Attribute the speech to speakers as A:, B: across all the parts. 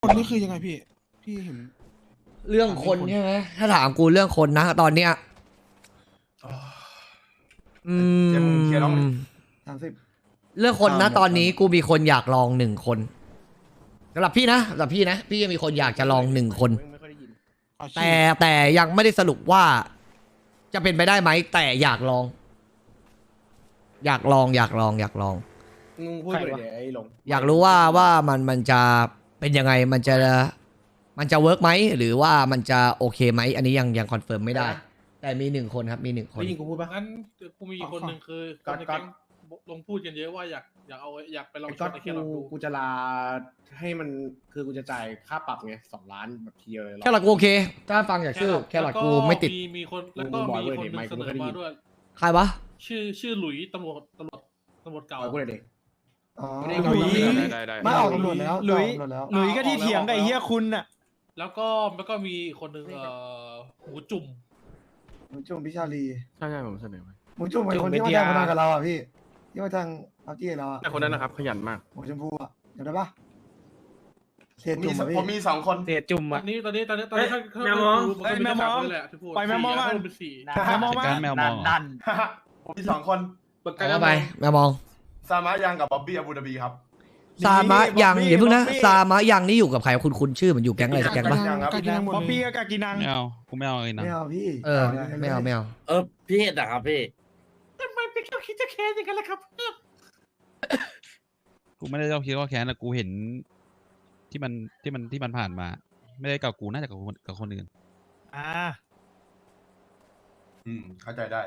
A: คนนี่คือยังไงพี่เห็น
B: เรื่องคนใช่ไหมถ้าถามกูเรื่องคนนะตอนเนี้ย
C: เจมส์เคลียร์น้อง
D: 30
B: เรื่องคนนะตอนนี้กูมีคนอยากลอง1 คนสำหรับพี่นะพี่ยังมีคนอยากจะลอง1 คน
A: ไม่ค่อยได้ยินขอชื่อ
B: แต่ยังไม่ได้สรุปว่า จะเป็นไปได้ไหมแต่อยากลอง อยากลอง
C: มึงพูดเลยเดี๋ยวไอ้หลง
B: อยากรู้ว่ามันจะเป็นยังไงมันจะเวิร์กไหมหรือว่ามันจะโอเคไหมอันนี้ยังคอนเฟิร์มไม่ได้ แต่มี1 คนครับมี1 คน
C: ได้ยินกูพูดปะ
E: งั้นกูมีอีกคนหนึ่งคือคนใน
C: ก๊อ
E: แก๊
C: ต
E: งลงพูดกันเยอะว่าอยากไปลอง
C: ไอ้
E: ช
C: ก็
E: นในแค่ลองดู
C: กูจะลาให้มันคือกูจะจ่ายค่าปรับไง2 ล้านแบบทีเดียวเลย
B: แค่หลักกูโอเค ถ้าฟังจากชื่อแค่หลักกูไม่ติด
E: มีคนแล้วก็มีคนหนึ่งเสนอมาด้วย
B: ใครวะ
E: ชื่อหลุยตำรวจเก่า
C: เอากูเลยเด็ก
D: อ๋อ
C: ไม่ได้
D: หลุย
C: ได้
D: ไม่ออกตำรวจแล้ว
F: หลุย
D: ออกตำรวจแล้ว
F: หลุยก็ที่เถียงกับไอ้เฮียคุณน่ะ
E: แล้วก็มีคนหนึ่งหูจุ่ม
D: หมูจุ่มพิชาลี
G: ใช่ผมเสนอไป
D: หมูจุ่มเป็นคนที่มาแทงพนันกับเราอ่ะพี่ที่มาแทงเอาจี้เราอ่ะ
G: แต่คนนั้นนะครับขยันมาก
D: หมูชมพูอ่ะจำได้ปะเศษจุ่มอ่ะพี่
C: ผมมี2 คน
F: เศษจุ่ม
E: ตอ
F: อ่ะ
E: นนี้ถ้า
F: แมวมอง
E: มันก็มี
F: แมวมอง
E: แหละที่พูด
F: ปล่อยแมวมอง
E: 4
F: ก่อน
E: เป็น4
F: แมวมองมา
G: แมวมองเหรอ
C: ผมมี2 คน
B: เอาไปแมวมอง
C: ซามะยังกับบ๊อบบี้อาบูดาบีครับ
B: ซามะยังอย่าเพิ่งนะซามะยังนี่อยู่กับใครคุณชื่อมันอยู่แก๊งอะไรสักแก๊งปะ
A: กากินังหมด
F: บ๊อบ
A: เล
F: บี้
A: ย
F: กับกากินัง
G: ไม่เอากูไม่เอาเลยนะ
D: ไม่เอาพี่
B: ไม่เอา
H: พี่เห็ดอะครับพี่
E: ทำไมเป็นแค่คิดจะแค้นอย่างนั้นล่ะครับ
G: กูไม่ได้เจ้าคิดว่าแค้นนะกูเห็นที่มันผ่านมา ไม่ได้กับกูน่าจะกับคนอื่น
F: อ่า
C: เข้าใจได้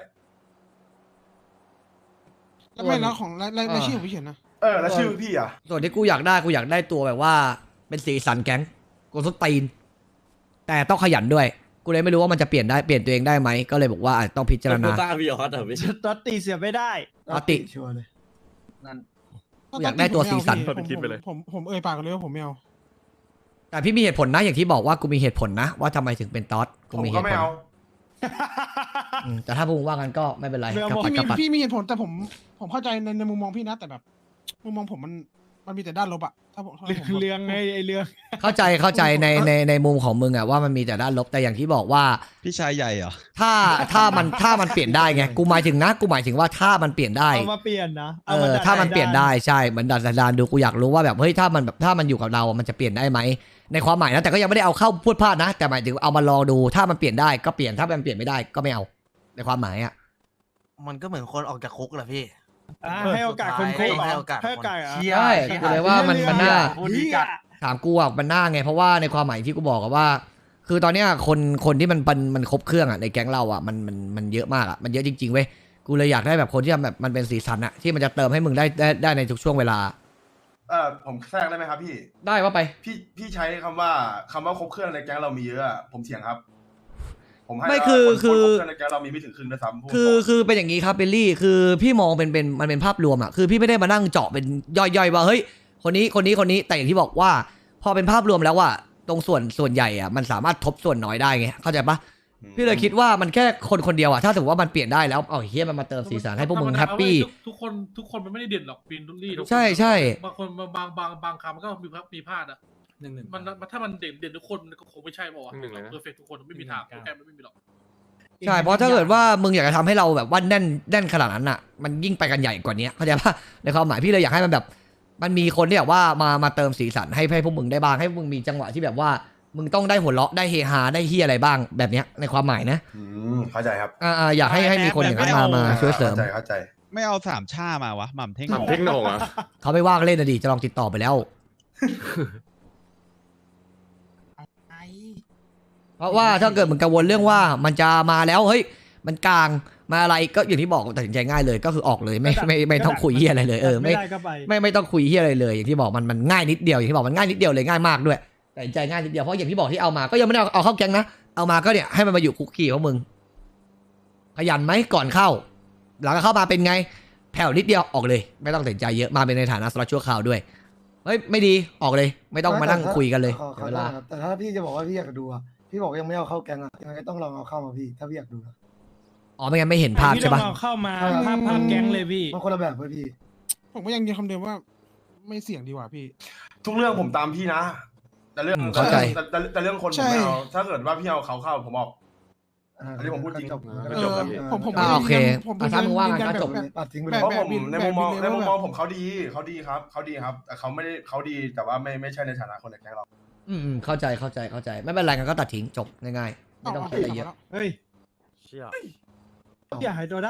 A: แล้วไม่แล้วของรายชื่อของพี่เขียนนะ
C: แล้วชื่อพี่อ่ะ
B: ส่วนที่กูอยากได้ตัวแบบว่าเป็นสีสันแก๊งกูส้นตีนแต่ต้องขยันด้วยกูเลยไม่รู้ว่ามันจะเปลี่ยนตัวเองได้ไหมก็เลยบอกว่าอาจต้องพิจารณา
H: บ้าพี่ออสเหรอพี่
F: ตอตตีเสียไม่ได้
B: ปกติ
D: ชัวร์เลย
B: อยากได้ตัวสีสัน
A: ผมเอ่ยปากกันเลยว่าผมไม่เอา
B: แต่พี่มีเหตุผลนะอย่างที่บอกว่ากูมีเหตุผลนะว่าทำไมถึงเป็นต๊อดกู
C: ผม
B: มีเห
C: ก็
B: ตุ
C: ไม่
B: ผล
C: เอา
B: แต่ถ้าพูดว่ากันก็ไม่เป็นไร
F: ไม่เอา
B: กับปัดกับปัด
A: พี่มีเหตุผลแต่ผมเข้าใจในมุมมองพี่นะแต่แบบมุมมองผมมันมีแต่ด้านลบอะถ้าผม
F: เรื่องไงไอ้เรื่อง
B: เข้าใจในมุมของมึงอะว่ามันมีแต่ด้านลบแต่อย่างที่บอกว่า
G: พี่ชายใหญ่เหรอ
B: ถ้ามันเปลี่ยนได้ไงกูหมายถึงว่าถ้ามันเปลี่ยนได้
F: เอามาเปลี่ยนนะ
B: ถ้ามันเปลี่ยนได้ใช่เหมือนดัดสันดานดูกูอยากรู้ว่าแบบเฮ้ยถ้ามันอยู่กับเรามันจะเปลี่ยนได้ไหมในความหมายนะแต่ก็ยังไม่ได้เอาเข้าพูดพลาดนะแต่หมายถึงเอามาลองดูถ้ามันเปลี่ยนได้ก็เปลี่ยนถ้ามันเปลี่ยนไม่ได้ก็ไม่เอาในความหมายอะ
H: มันก็เหมือนคนออกจากคุกแหละพี่
F: ให้โอกาสคนคุก
H: ให้โอกาส
F: ให้โอกาสเหรอ
B: ใช่กูเลยว่ามันน่า
F: พูดดีจัด
B: ถามกูอ่ะมันน่าไงเพราะว่าในความหมายที่กูบอกอะว่า คือตอนเนี้ยคนที่มันครบเครื่องอ่ะในแก๊งเราอ่ะมันเยอะมากอ่ะมันเยอะจริงๆเว้ยกูเลยอยากได้แบบคนที่แบบมันเป็นสีสันอ่ะที่มันจะเติมให้มึงได้ในทุกช่วงเวลา
C: ผมแทรกได้ไหมครับพี่
B: ได้ว่าไป
C: พี่ใช้คำว่าครบเครื่องในแก๊งเรามีเยอะอะผมเถียงครับ ผมให้
B: ไม่
C: ว่า
B: คือ
C: นครบเครื่องในแก๊งเรามีไม่ถึงครึ่งด้วยซ้ำพูดตรง
B: คือเป็นอย่างนี้ครับเบลลี่คือพี่มองมันเป็นภาพรวมอ่ะคือพี่ไม่ได้มานั่งเจาะเป็นย่อยๆว่าเฮ้ยคนนี้แต่อย่างที่บอกว่า พอเป็นภาพรวมแล้วว่าตรงส่วนใหญ่อ่ะมันสามารถทบส่วนน้อยได้ไงเข้าใจปะพี่เลยคิดว่ามันแค่คนเดียวอ่ะถ้าสมมติว่ามันเปลี่ยนได้แล้วเอาเฮียมันมาเติมสีสันให้พวกมึงแฮปปี้
E: ทุกคนมันไม่ได้เด่นหรอกปีนรุ่นลี่ทุกคน
B: ใช่
E: บางคนบางคำมันก็มีพลาดอะมันถ้ามันเด่นทุกคนมันก็คงไม่ใช่ป่าวะเพอร์เฟกทุกคนไม่มีทางโปรแกรมไม่มีหรอก
B: ใช่เพราะถ้าเกิดว่ามึงอยากจะทำให้เราแบบว่าแน่นขนาดนั้นอ่ะมันยิ่งไปกันใหญ่กว่านี้เข้าใจปะในความหมายพี่เลยอยากให้มันแบบมันมีคนที่แบบว่ามาเติมสีสันให้พวกมึงได้บ้างให้พวกมึงมีจังหวะที่แบบว่ามึงต้องได้หัวเราะได้เฮฮาได้เฮียอะไรบ้างแบบเนี้ยในความหมายนะ
C: เข้าใจครับ
B: อยากให้มีคนอย่างนั้นมาช่วยเสริม
C: เข้าใจ
G: ไม่เอาสามชามาวะหม่ำเท่ง
H: หม่ำเท่งโหน่งอะ
B: เขาไม่ว่างเล่นนะดิจะลองติดต่อไปแล้วเพราะว่าถ้าเกิดมึงกังวลเรื่องว่ามันจะมาแล้วเฮ้ยมันกลางมาอะไรก็อย่างที่บอกตัดสินใจง่ายเลยก็คือออกเลยไม่ต้องคุยเฮียอะไรเลยไม่
F: ได้ก็ไป
B: ไม่ต้องคุยเฮียอะไรเลยอย่างที่บอกมันง่ายนิดเดียวอย่างที่บอกมันง่ายนิดเดียวเลยง่ายมากด้วยแต่ใจง่ายนิดเดียวเพราะอย่างที่บอกที่เอามาก็ยังไม่ได้เอาเข้าแก๊งนะเอามาก็เนี่ยให้มันมาอยู่คุกกี้ของมึงขยันไหมก่อนเข้าหลังเข้ามาเป็นไงแผ่วนิดเดียวออกเลยไม่ต้องตัดสินใจเยอะมาเป็นในฐานะสล็อตชั่วคราวด้วยเฮ้ยไม่ดีออกเลยไม่ต้องมานั่งคุยกันเลย
D: ขอ
B: เวลา
D: แต่ถ้าพี่จะบอกว่าพี่อยากดูอ่ะพี่บอกว่ายังไม่เอาเข้าแกงอ่ะยังไงก็ต้องลองเอาเข้ามาพี่ถ้าพี่อยากดูนะ
B: อ๋อไม่งั้นไม่เห็นภาพ
F: พี่
B: ใช่
F: ต้อ
B: ปะ
F: งเอาเข้ามาภาพแก๊งเลยพี่
D: มันคนละแบบเลยพี่
A: ผมก็ยังยืนคำเดิมว่าไม่เสี่ยงดีกว่าพี่
C: ทุกเรื่องผมตามพี่นะแต่เรื่อง
B: เข้าใจ
C: แต่เรื่องคนผมไม่เอาถ้าเกิดว่าพี่เอาเขาเข้าผมออก อันนี้ผมพูดจริง
D: จบ
C: ไม่จบครับพี่
A: ผม
B: โอเค
A: ผม
B: ถ้ามึงว่างั้นก็จบ
D: ตัดทิ้งไป
A: แบ
D: เลย
A: บ
C: เพราะผมในมุมมอง
A: แบบ
C: ในมุมมอง
A: แบบ
C: ผมเขาดีครับแต่เขาไม่ได้เขาดีแต่ว่าไม่ใช่ในฐานะคนในแก๊งเรา
B: เข้าใจไม่เป็นไรกันก็ตัดทิ้งจบง่ายๆไม่ต้องคิดอะไรเยอะ
F: เฮ้ย
H: เชี่ย
F: อย่าหายตัวได้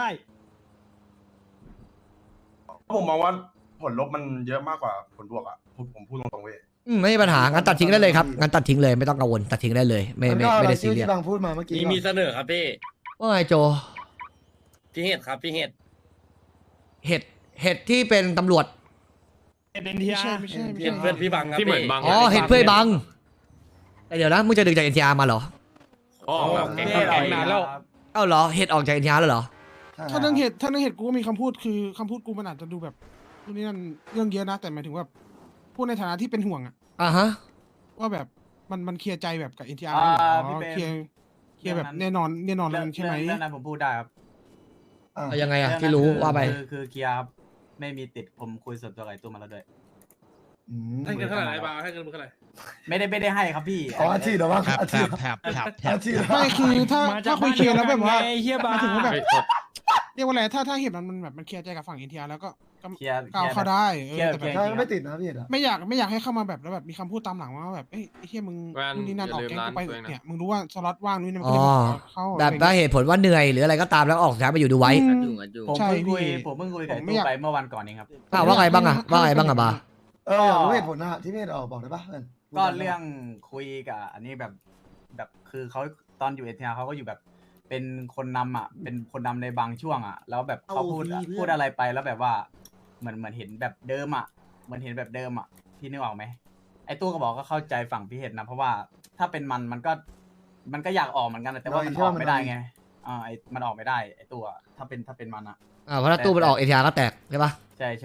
C: ผมมองว่าผลลบมันเยอะมากกว่าผลบวกอ่ะผมพูดตรงๆเว้ย
B: ไม่มีปัญหางั้นตัดทิ้งได้เลยครับงั้นตัดทิ้งเลยไม่ต้องกังวลตัดทิ้งได้เลยไม่ได้ซีเรียส
D: ที่บางพูดมาเมื่อกี้
H: มีเสนอครับพี่
B: ว่าไงโจ
H: พี่เห็ดครับพี่เห็ด
B: เห็ดที่เป็นตำรวจ
F: เอ็น
A: ไม่
F: ทีอา
A: ใช่
F: ร์
A: ไม่ใช่ไม่
H: เห็
A: ใช่
H: ดเพื่อนพี่บังครับ
I: ที่เหมือนบัง
B: อ๋อเห็ดเพื่อยบังแต่เดี๋ยวนะมึงจะดึงจาก NTR มาเหรอ
I: อ๋อแบบแก๊งนานแล้ว
B: เอ้าเหรอเห็ดออกจาก NTR แล้วเหรอ
A: ถ้าเรื่องเหตุกูก็มีคำพูดคือคำพูดกูมันอาจจะดูแบบนี่นั่นเรื่องเยอะนะแต่หมายถึงว่าพูดในฐานะที่เป็นห่วงอะ
B: อ่าฮะ
A: ว่าแบบมันเคลียร์ใจแบบกับ NTR
J: อ่า
A: แล้วเหรอ
J: พี่เปรม
A: เคลียร์แบบแน่นอนแล้วใช่ไหม
J: เรื่องนั้นผมพูดได้ครับ
B: เอายังไงอะ
J: เรื่อง
B: ที่
J: นั้น
B: รู้
J: คือ
B: ว่าไป
J: คือเคลียร์ครับไม่มีติดผมคุยส่วนตัวกับไอ้ตู้มาแล้วด้วย
E: ให้เงินเท่าไหร่ไอ้บาร์ให้เงินมึงเท่าไหร่
J: ไม่ได้ให้ครับพี่
D: อ๋ออาชีพเหรอวะ
G: แถบ
D: อา
G: แถ
D: ชีพ
G: บแถบแถบแถบ
D: อาชีพ
A: ไม่คือถ้า
F: มาจาก
A: คุยเคลียร์แล้วแบบว่า
F: ไอ้เฮีย
A: ห
F: บาม
A: ายถึงว่าแบบ
I: เฮ้ยโทษ
A: เรียกว่าอะไรถ้าเหตุมันแบบมันเคลียร์ใจกับฝั่ง NTR แล้วก็
J: เคลียร์
A: ก้าวเข้าได้แต่แบบ
D: ใช่ก็ไม่ติดนะพี่เห็นอะ
A: ไม่อยากให้เข้ามาแบบแล้วแบบมีคำพูดตามหลังว่าแบบเอ้ยไอ้เหี้ยมึง
I: แวน
A: นู่นนี่นั่นออก
I: อย่าลืม
A: แก๊งกูไป
I: ร้านตัวเองนะ
A: เนี่ยมึงรู้ว่าสล็อตว่างนู่นนี่มัน
B: อ๋
A: ก็
B: อ
A: เลยเข้า
B: แบบว่าเหตุผลว่าเหนื่อยหรืออะไรก็ตามแล้วออกสุดท้ายมาอยู่ดูไว้
J: ผม
A: ใช่
J: เพิ่งคุย
A: พี่
J: ผมเพิ่งคุยกับ
A: ผม
J: ไอ้
A: ไม่
J: ตู้
A: อยาก
J: ไปเมื่อวันก่อนเองครับ
B: ว่าไงบ้างอะบา
D: อยากรู้เหตุผลนะที่พี่เห็นออกบอกได้ปะ
J: ก็เรื่องคุยกับอันนี้แบบคือเขาตอนอยู่เอทีอาร์เขาก็อยู่แบบเป็นคนนำอ่ะเป็นคนนำในบางช่วงอ่ะแล้วแบบเขาพูดอะไรไปแล้วแบบว่าเหมือนเห็นแบบเดิมอ่ะเหมือนเห็นแบบเดิมอ่ะพี่นึกออกไหมไอ้ตู้ก็บอกก็เข้าใจฝั่งพี่เห็นนะเพราะว่าถ้าเป็นมันก็อยากออกเหมือนกันแต่ว่ามันออกไม่ได้ไงไอ้มันออกไม่ได้ไอ้ตัวถ้าเป็นมันอ่ะ
B: เพราะถ้าตู้มันออก NTR ก็แตกใช่ปะ
J: ใช่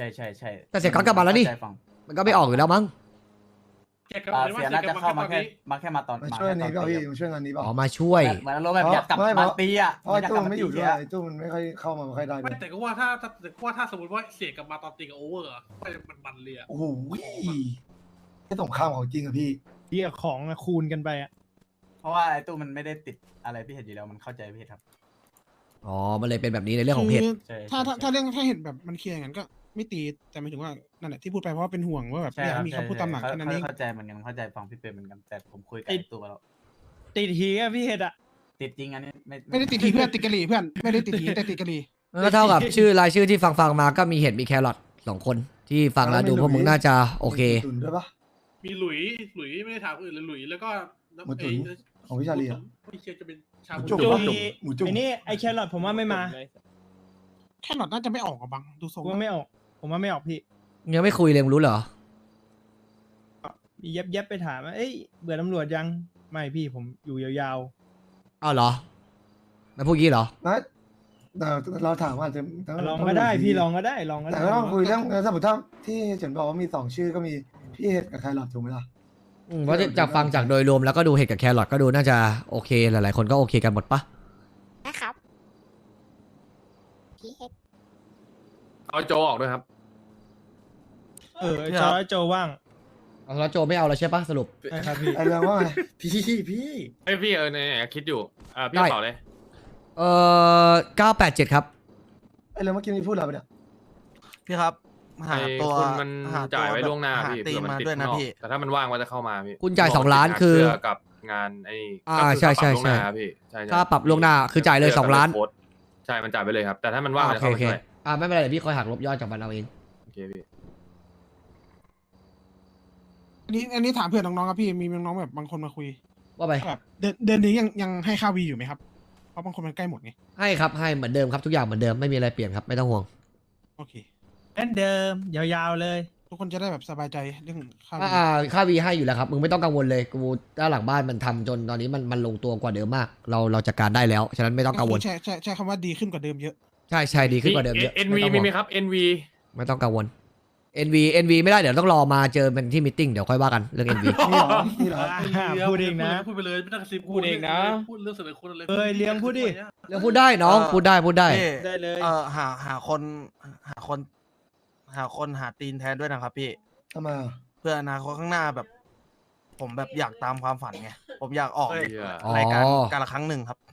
B: แต่เสียก๊อตกลับมาแล้วนี่
J: เข้ใจฝั่ง
B: มันก็ไม่ออกอยู่แล้วมั้ง
E: แกกับ
J: เสียน่าจะเข้ามาแค่มาตอน
D: มาช่วยนี้เปล่าพี่มาช่วยงานนี้เปล่า
B: อ๋อมาช่วย
J: เหมือนอารมณ์แบบอยากกลับ
D: ไม่
J: มาตีอ่ะ
D: เพราะไอ้
J: อยาก
D: ตู้
J: กลับ
D: มัน
J: มา
D: ไม่อ
J: ตี
D: ยู่ด้วย
J: อะ
D: ไอ้ตู้มันไม่ค่อยเข้ามาไม่ค่อยได้ด้
E: ไม่
D: วย
E: แต่ก็ว่าถ้าสมมติว่าเสียกลับมาตอนตีกับโอเวอร์อะมันเลยอะ
D: โอ้โหไม่สงครามของจริงอะพี่
F: เฮียของอะคูณกันไปอะ
J: เพราะว่าไอ้ตู้มันไม่ได้ติดอะไรพี่เห็นอยู่แล้วมันเข้าใจพี่เห็นครับ
B: อ๋อมันเลยเป็นแบบนี้ในเรื่องของเพจ
J: ใช่
A: ถ้าเรื่องถ้าเห็นแบบมันเคลียร์อย่างนั้นก็ไม่ตีแต่หมายถึงว่านั่นแหละที่พูดไปเพราะว่าเป็นห่วงว่าแบบ
J: ใช่
A: อยาก
J: ครับ
A: ให้มีคำพูดตามหลังแค่นั้นเอง
J: เข้าใจเหมือนกันเข้าใจฟังพี่เป็นเหมือนกันแต่ผมคุยกับไอ้ตู้มาแล้ว
F: ติดหีอะพี่เห็ดอะ
J: ติดจริงอันนี้
A: ไม่ได้ติดทีเพื่อนติดกะหรี่เพื่อนไม่ได้ติดทีแต่ติดกะหรี่
B: ก็เท่ากับชื่อรายชื่อที่ฟังมาก็มีเห็ดมีแครอท2 คนที่ฟังแล้วดูพวกมึงน่าจะโอเค
D: ตุนด้วยปะ
E: มีหลุยไม่ได้ถามคนอื่นเลยหลุยแล้วก็
D: หมูตุ๋นของพี่ชาลีอะ
E: ไม่เชื่อจะเป็นชา
D: หมู
E: บู
D: จุ่ม
F: จุ
D: ปะหมูจุ่ม
F: ไอ้นี่ไอ้แครอทผมว่าไม่มา
A: แค่หลอดน่าจะไม่ออกอะบังดูทรง
F: ผมว่าไม่ออก ผมว่าไม่ออกพี่
B: ยังไม่คุยเลยมึงรู้เหรอ
F: มีเย็บไปถามว่าเอ้ยเบื่อตำรวจยังไม่พี่ผมอยู่ยาว
B: อ้าวเหรอแล้วพวกนี้เหรอ
D: นะแต่เราถามว่าจะ
F: ๆลองก็ได้พี่ลองก็ได้
D: แต่ก็ต้องคุยเรื่องสมมติถ้าที่เฉินบอกว่ามี2 ชื่อก็มีพี่เห็ดกับไคลอดถูกไหมล่ะ
B: เพราะจากฟังจากโดยรวมแล้วก็ดูเห็ดกับแครอทก็ดูน่าจะโอเคหลายๆคนก็โอเคกันหมดปะ
K: นะครับพี่เฮ็ด
I: เอาโจออกด้วยครับ
F: จอยโจว่าง
B: เอาแล้วโจไม่เอาแล้วใช่ปะสรุป
F: ใช่ครับพี่
D: ไอเรื่องว่าไง
H: พี่
I: เอ้ยพี่เนี่ยคิดอยู่พี่
B: ได้
I: ต่อเลย
B: 987ครับ
D: ไอเรื่องเมื่อกี้มีพูดอะไรไปเนี่ย
H: พี่ครับหา
I: ไอ้
H: ตัว
I: คุณมัน
H: หตัว
I: จ่ายไว้ล่วงหน้า
H: ห
I: พี่
H: ตี
I: เผื่อมัน
H: มา
I: ติด
H: ด้วยนะ
I: ข้างนอก
H: พี่
I: แต่ถ้ามันว่างมันจะเข้ามาพี่
B: คุณจ่าย2 ล้านคือ
I: เสื้กับงานไอ้
B: อ่า
I: ก็คือ
B: ใช่
I: ค่าปรับล่วงหน้า
B: ใช่
I: ครับพี่ใช่
B: ค่าปรับล่วงหน้าคือจ่ายเลย
I: สื้กับ
B: 2 ล้าน
I: โค้ดใช่มันจ่ายไปเลยครับ แต่ถ้ามันว่างมันจะ
B: โอ
I: เข้า
B: เค
I: มาช่วย
B: ไม่เป็นไรเดี๋ยวพี่คอยหักลบยอดจากมันเอาเอง
I: โอเคพี่
A: อันนี้ถามเพื่อนน้องๆครับพี่มีน้องๆแบบบางคนมาคุย
B: ว่าไป
A: แบบเดือนนี้ยังให้ค่าวีอยู่ไหมครับเพราะบางคนมันใกล้หมดไง
B: ให้ครับให้เหมือนเดิมครับทุกอย่างเหมือนเดิมไม่มีอะไรเปลี่ยนครับไม่ต้องห่วง
A: โอเค
F: เล่นเดิมยาวๆเลย
A: ทุกคนจะได้แบบสบายใจเรื่องค่าวี
B: ค่าวีให้อยู่แล้วครับมึงไม่ต้องกังวลเลยกูด้านหลังบ้านมันทำจนตอนนี้มันลงตัวกว่าเดิมมาก เราจัดการได้แล้วฉะนั้นไม่ต้องกังวล
A: ใช้คำว่าดีขึ้นกว่าเดิมเยอะ
B: ใช่ดีขึ้นกว่าเดิมเยอะ
I: NV
B: ไต้อง
I: มี
B: ห่วง
I: ไหมครับ NV
B: ไม่ต้องกังวล NV ไม่ได้เดี๋ยวต้องรอมาเจอเป็นที่มิทติ้งเดี๋ยวค่อยว่ากันเรื่อง NV
D: นี่เหรอนี่เหรอ
F: พูดเองนะ
E: พูดไปเลยไม่ต้องกระซิบพูดเรื่องเสนอคนอะไร
F: เอ้ยเลี้ยงพูดดิ
B: เรื่องพูดได้น้องพูดได้
H: พี่
F: ได้เลย
H: หาคนหาตีนแทนด้วยนะครับพี่
D: ทำไมอ่ะ
H: เพื่ออนาคตข้างหน้าแบบผมแบบอยากตามความฝันไงผมอยากออก
I: เหี้ย
B: อ๋อ
H: รายการการละครั้งหนึ่งครับ